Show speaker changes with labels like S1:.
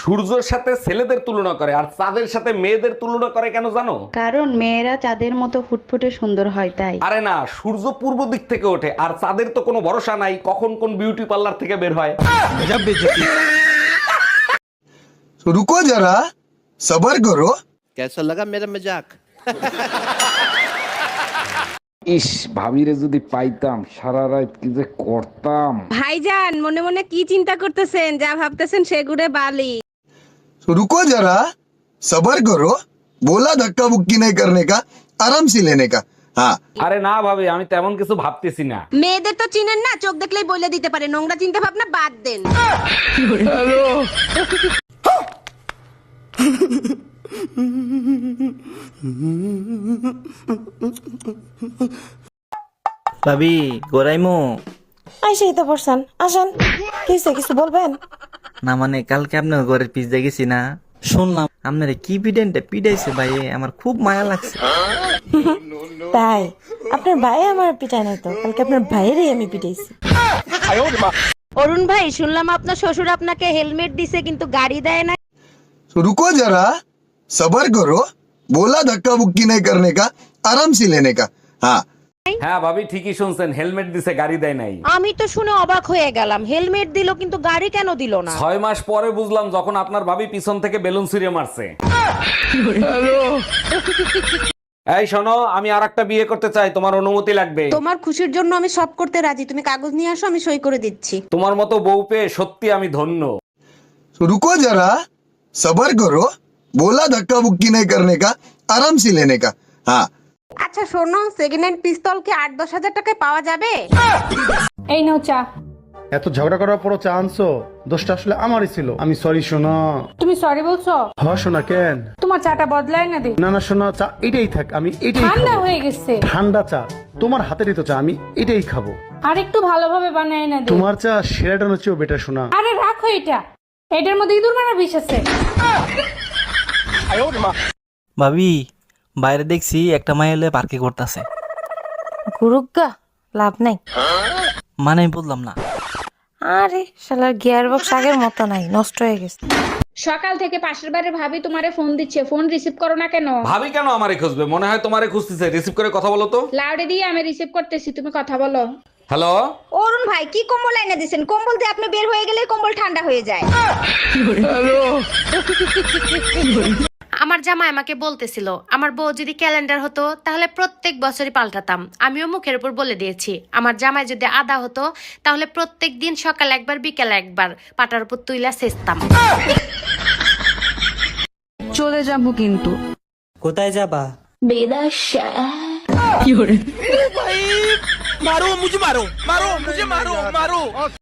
S1: সূর্যের সাথে ছেলেদের তুলনা করে আর চাঁদের সাথে মেয়েদের তুলনা করে কেন জানো?
S2: কারণ মেয়েরা চাঁদের মতো ফুটফুটে সুন্দর হয় তাই।
S1: আরে না, সূর্য পূর্ব দিক থেকে ওঠে আর চাঁদের তো কোনো ভরসা নাই কখন কোন বিউটি পার্লার থেকে বের হয়।
S3: तो रुको जरा सबर करो।
S4: कैसा लगा मेरा मजाक?
S1: ইস, ভাবিরে যদি পাইতাম সারা রাত কি যে করতাম।
S5: ভাইজান মনে মনে কি চিন্তা করতেছেন? যা ভাবতেছেন সেগুড়ে বালি।
S3: तो रुको जरा सबर करो। बोला धक्का बुक्की नहीं करने का, आराम से लेने का। हाँ
S1: আরে না ভাবি, আমি তেমন কিছু ভাবতেছি না।
S5: মেয়েদের তো চিনেন না, চোখ দেখলেই বলে দিতে পারে। নোংরা চিন্তা ভাবনা বাদ দেন।
S6: ভাবি গোরাইমু
S7: আইসেই তো পড়ছেন, আসেন। কিছু বলবেন?
S6: না মানে কালকে আপনার ঘরের পিস দেখেছি না, শুনলাম আপনার কি পিডাইছে ভাই, আমার খুব মায়া লাগছে।
S7: তাই আপনার ভাই আমার পিটায় নাই তো, কালকে আপনার ভাইয়েরই আমি পিটাইছি।
S5: অরুণ ভাই, শুনলাম আপনার শ্বশুর আপনাকে হেলমেট দিছে কিন্তু গাড়ি দেয় না।
S3: तो रुको जरा सबर करो। बोला धक्का बुक्की नहीं करने का, आराम से लेने का। हाँ
S1: হ্যাঁ ভাবি, ঠিকই শুনছেন, হেলমেট দিছে গাড়ি দেয় নাই।
S5: আমি তো শুনে অবাক হয়ে গেলাম, হেলমেট দিল কিন্তু গাড়ি কেন দিল না?
S1: 6 মাস পরে বুঝলাম যখন আপনার ভাবি পিছন থেকে বেলুন ছুঁড়ে মারছে। এই শোনো, আমি আরেকটা বিয়ে করতে চাই, তোমার অনুমতি লাগবে।
S5: তোমার খুশির জন্য আমি সব করতে রাজি, তুমি কাগজ নিয়ে আসো, আমি সই করে দিচ্ছি।
S1: তোমার মতো বউ পেয়ে সত্যি আমি ধন্য।
S3: तो रुको जरा सबर करो। बोला धक्का बुक्की नहीं करने का, आराम से लेने का। हाँ
S5: আচ্ছা শোনো, সেকেন্ড হ্যান্ড পিস্তল কি 8-10 হাজার টাকায় পাওয়া যাবে?
S8: এই নাও চা।
S9: এত ঝগড়া করার পরও চা আনছো, দোষটা আসলে আমারই ছিল। আমি সরি সোনা।
S8: তুমি সরি বলছো?
S9: হ সোনা, কেন?
S8: তোমার চাটা বদলায় না দে।
S9: না না সোনা, চা এটাই থাক, আমি এটাই
S8: ঠান্ডা
S9: খাবো।
S8: হয়ে গেছে।
S9: ঠান্ডা চা? তোমার হাতেরই তো চা, আমি এটাই খাবো।
S8: আর একটু ভালোভাবে বানায় না দে।
S9: তোমার চা সেরাটানোর চেয়েও বেটার সোনা।
S8: আরে রাখো এটা, এটার মধ্যে ইঁদুর মারা বিষ আছে।
S6: ভাবি বাইরে দেখছি একটা মাই হলে পার্কে করতেছে।
S7: গুরুগা লাভ নাই।
S6: মানে আমি বললাম না।
S7: আরে শালার গিয়ার বক্স আগের মতো নাই, নষ্ট হয়ে গেছে।
S8: সকাল থেকে পাশের বাড়ির ভাবি তোমারে ফোন দিচ্ছে, ফোন রিসিভ করো না কেন?
S1: ভাবি কেন আমারে খুঁজবে? মনে হয় তোমারে খুঁজতেছে। রিসিভ করে কথা বলো তো।
S8: লাউডে দিয়ে আমি রিসিভ করতেছি, তুমি কথা বলো।
S1: হ্যালো,
S5: অরুণ ভাই, কি কম্বল এনে দিয়েছেন? কম্বল দিয়ে আপনি বের হয়ে গেলে কম্বল ঠান্ডা হয়ে যায়।
S10: আমার জামাই আমাকে বলতেছিল আমার বউ যদি ক্যালেন্ডার হতো তাহলে প্রত্যেক বছরই পাল্টাতাম। আমিও মুখের উপর বলে দিয়েছি আমার জামাই যদি আদা হতো তাহলে প্রত্যেক দিন সকাল একবার বিকেল একবার পাটার উপর তুইলা সেচতাম।
S2: চলে যাবো কিন্তু।
S6: কোথায় যাবা?
S4: मारो मुझे, मारो मारो मुझे, मारो मारो।